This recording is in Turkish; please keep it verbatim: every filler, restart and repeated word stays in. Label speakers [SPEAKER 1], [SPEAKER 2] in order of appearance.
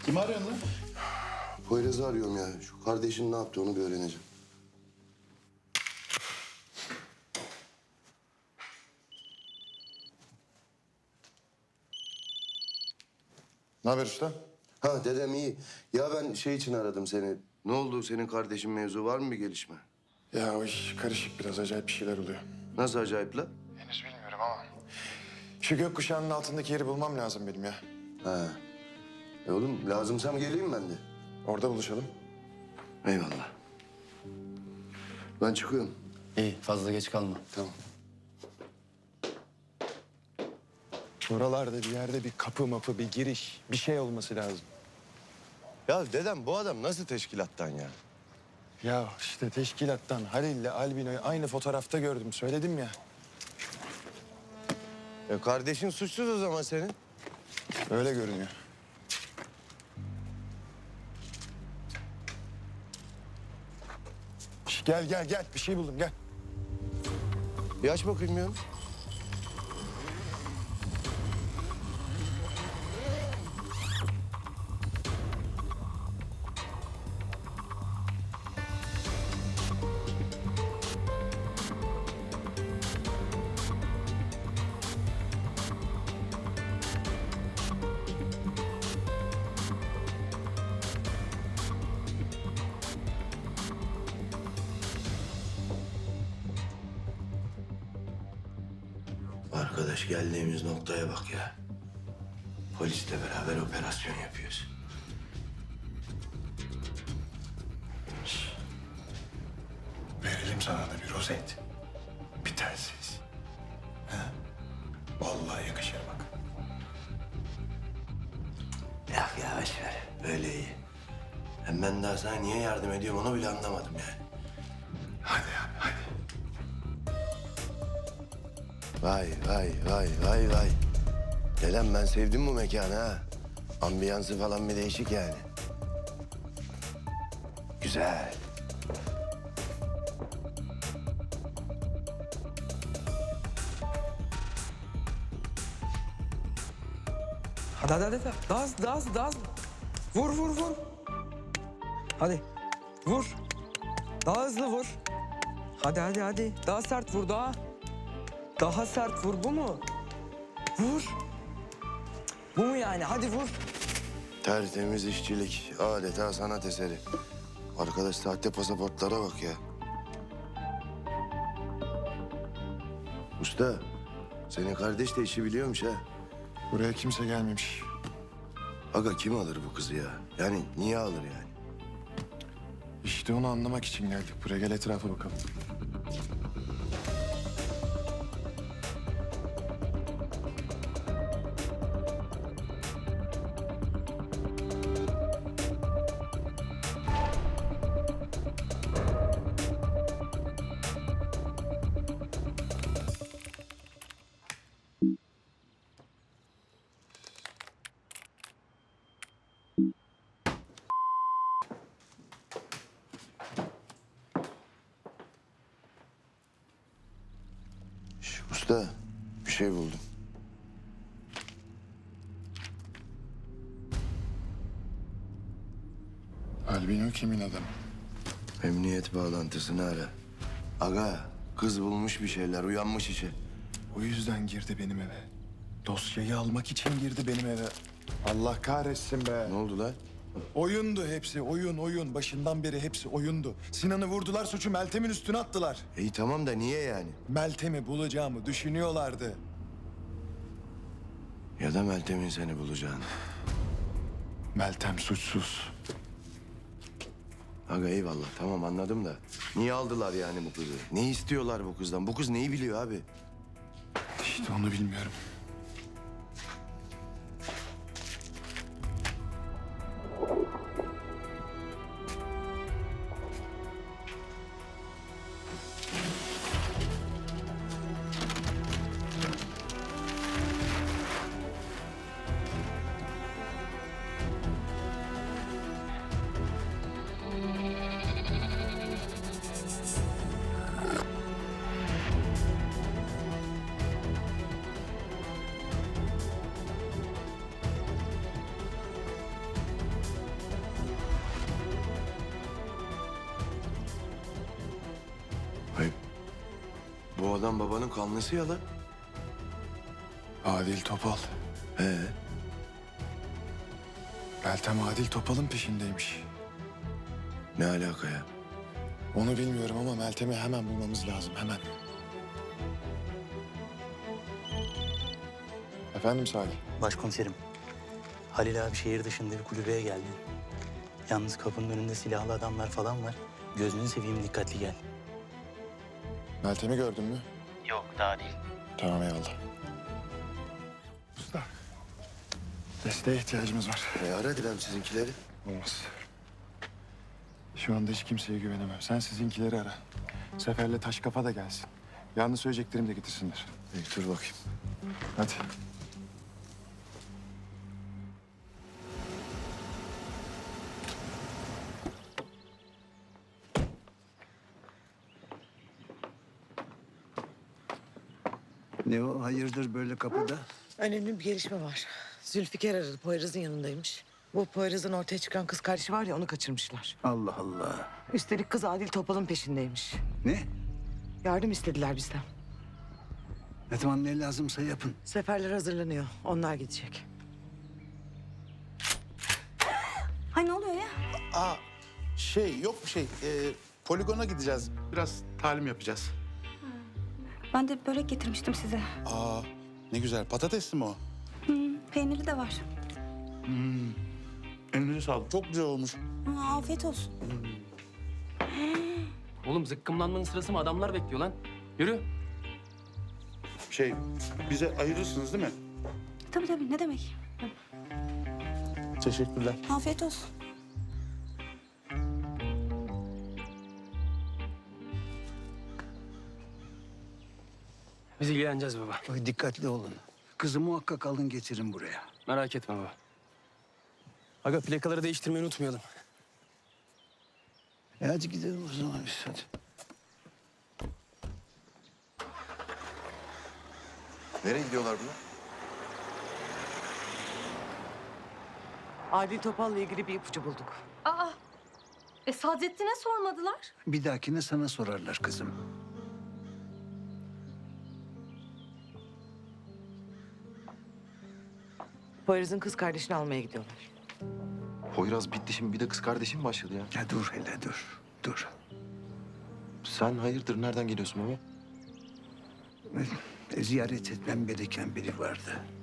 [SPEAKER 1] Kimi arıyorsun lan?
[SPEAKER 2] Poyraz'ı arıyorum ya. Şu kardeşin ne yaptı onu bir öğreneceğim.
[SPEAKER 1] Ne haber usta?
[SPEAKER 2] Ha dedem iyi. Ya ben şey için aradım seni. Ne oldu senin kardeşin mevzu var mı bir gelişme?
[SPEAKER 1] Ya o iş karışık biraz acayip bir şeyler oluyor.
[SPEAKER 2] Nasıl acayip la?
[SPEAKER 1] Henüz bilmiyorum ama. Şu gökkuşağının altındaki yeri bulmam lazım benim ya.
[SPEAKER 2] Ha. E oğlum lazımsam geleyim ben de.
[SPEAKER 1] Orada buluşalım.
[SPEAKER 2] Eyvallah. Ben çıkıyorum.
[SPEAKER 3] İyi, fazla geç kalma.
[SPEAKER 2] Tamam.
[SPEAKER 1] Oralarda bir yerde bir kapı mapı, bir giriş, bir şey olması lazım.
[SPEAKER 2] Ya dedem bu adam nasıl teşkilattan ya?
[SPEAKER 1] Ya işte teşkilattan Halil'le Albino'yu aynı fotoğrafta gördüm. Söyledim ya.
[SPEAKER 2] E kardeşin suçsuz o zaman senin.
[SPEAKER 1] Öyle görünüyor. Şş, gel gel gel. Bir şey buldum gel.
[SPEAKER 2] Bir aç bakayım ya. Arkadaş geldiğimiz noktaya bak ya. Polisle beraber operasyon yapıyoruz.
[SPEAKER 1] Verelim sana da bir rozet. Bir telsiz. Ha? Vallahi yakışır bak.
[SPEAKER 2] Ya yavaş ver. Böyle iyi. Hem ben daha sana niye yardım ediyorum onu bile anlamadım yani.
[SPEAKER 1] Hadi abi hadi.
[SPEAKER 2] Vay vay vay vay vay. Dedem ben sevdim bu mekanı ha. Ambiyansı falan bir değişik yani. Güzel.
[SPEAKER 4] Hadi hadi hadi. Daha hızlı, daha hızlı, daha hızlı. Vur vur vur. Hadi. Vur. Daha hızlı vur. Hadi hadi hadi. Daha sert vur daha. Daha sert vur bu mu? Vur. Cık, bu mu yani? Hadi vur.
[SPEAKER 2] Tertemiz işçilik. Adeta sanat eseri. Arkadaş sahte pasaportlara bak ya. Usta, senin kardeş de işi biliyormuş ha.
[SPEAKER 1] Buraya kimse gelmemiş.
[SPEAKER 2] Aga kim alır bu kızı ya? Yani niye alır yani?
[SPEAKER 1] İşte onu anlamak için geldik buraya. Gel etrafa bakalım.
[SPEAKER 2] Şş, usta, bir şey buldum.
[SPEAKER 1] Albino kimin adamı?
[SPEAKER 2] Emniyet bağlantısını ara. Aga, kız bulmuş bir şeyler, uyanmış işe.
[SPEAKER 1] O yüzden girdi benim eve. Dosyayı almak için girdi benim eve. Allah kahretsin be.
[SPEAKER 2] Ne oldu lan?
[SPEAKER 1] Oyundu hepsi, oyun, oyun. Başından beri hepsi oyundu. Sinan'ı vurdular, suçu Meltem'in üstüne attılar.
[SPEAKER 2] İyi tamam da niye yani?
[SPEAKER 1] Meltem'i bulacağımı düşünüyorlardı.
[SPEAKER 2] Ya da Meltem'in seni bulacağını.
[SPEAKER 1] Meltem suçsuz.
[SPEAKER 2] Aga eyvallah tamam anladım da. Niye aldılar yani bu kızı? Ne istiyorlar bu kızdan? Bu kız neyi biliyor abi?
[SPEAKER 1] İşte onu bilmiyorum.
[SPEAKER 2] O adam babanın kanlısı ya lan.
[SPEAKER 1] Adil Topal.
[SPEAKER 2] He.
[SPEAKER 1] Meltem Adil Topal'ın peşindeymiş.
[SPEAKER 2] Ne alaka ya?
[SPEAKER 1] Onu bilmiyorum ama Meltem'i hemen bulmamız lazım, hemen. Efendim Salih?
[SPEAKER 5] Başkomiserim, Halil abi şehir dışında bir kulübeye geldi. Yalnız kapının önünde silahlı adamlar falan var. Gözünü seveyim, dikkatli gel.
[SPEAKER 1] Meltem'i gördün mü?
[SPEAKER 5] Yok, daha değil.
[SPEAKER 1] Tamam, eyvallah. Usta, desteğe ihtiyacımız var.
[SPEAKER 2] E ara Dilem sizinkileri.
[SPEAKER 1] Olmaz. Şu anda hiç kimseye güvenemem. Sen sizinkileri ara. Sefer'le Taşkafa da gelsin. Yalnız söyleyeceklerimi de getirsinler.
[SPEAKER 2] İyi, dur bakayım.
[SPEAKER 1] Hadi.
[SPEAKER 6] Ne o? Hayırdır böyle kapıda?
[SPEAKER 7] Önemli bir gelişme var. Zülfikar aradı. Poyraz'ın yanındaymış. Bu Poyraz'ın ortaya çıkan kız kardeşi var ya, onu kaçırmışlar.
[SPEAKER 6] Allah Allah.
[SPEAKER 7] Üstelik kız Adil Topal'ın peşindeymiş.
[SPEAKER 6] Ne?
[SPEAKER 7] Yardım istediler bizden.
[SPEAKER 6] Ne zaman ne lazımsa yapın.
[SPEAKER 7] Seferler hazırlanıyor. Onlar gidecek.
[SPEAKER 8] Hay ne oluyor ya?
[SPEAKER 9] Aa, şey yok bir şey. Ee, poligona gideceğiz. Biraz talim yapacağız.
[SPEAKER 8] Ben de börek getirmiştim size.
[SPEAKER 9] Aa, ne güzel. Patatesli mi o?
[SPEAKER 8] Peyniri de var.
[SPEAKER 9] Elinize sağlık. Çok güzel olmuş.
[SPEAKER 8] Aa, afiyet olsun.
[SPEAKER 3] Oğlum zıkkımlanmanın sırası mı? Adamlar bekliyor lan. Yürü.
[SPEAKER 9] Şey, bize ayırırsınız değil mi?
[SPEAKER 8] Tabii tabii, ne demek?
[SPEAKER 9] Teşekkürler.
[SPEAKER 8] Afiyet olsun.
[SPEAKER 3] Biz ilgileneceğiz baba.
[SPEAKER 6] Bak, dikkatli olun. Kızı muhakkak alın getirin buraya.
[SPEAKER 3] Merak etme baba. Aga plakaları değiştirmeyi unutmayalım.
[SPEAKER 6] E hadi gidelim o zaman biz hadi.
[SPEAKER 2] Nereye gidiyorlar bunlar?
[SPEAKER 7] Adil Topal'la ilgili bir ipucu bulduk.
[SPEAKER 10] Aa, e Sadrettin'e sormadılar.
[SPEAKER 6] Bir dahakine sana sorarlar kızım.
[SPEAKER 7] Poyraz'ın kız kardeşini almaya gidiyorlar.
[SPEAKER 2] Poyraz bitti şimdi bir de kız kardeşim başladı ya.
[SPEAKER 6] Ya dur hele dur. Dur.
[SPEAKER 2] Sen hayırdır nereden geliyorsun baba?
[SPEAKER 6] E, ziyaret etmem gereken biri vardı.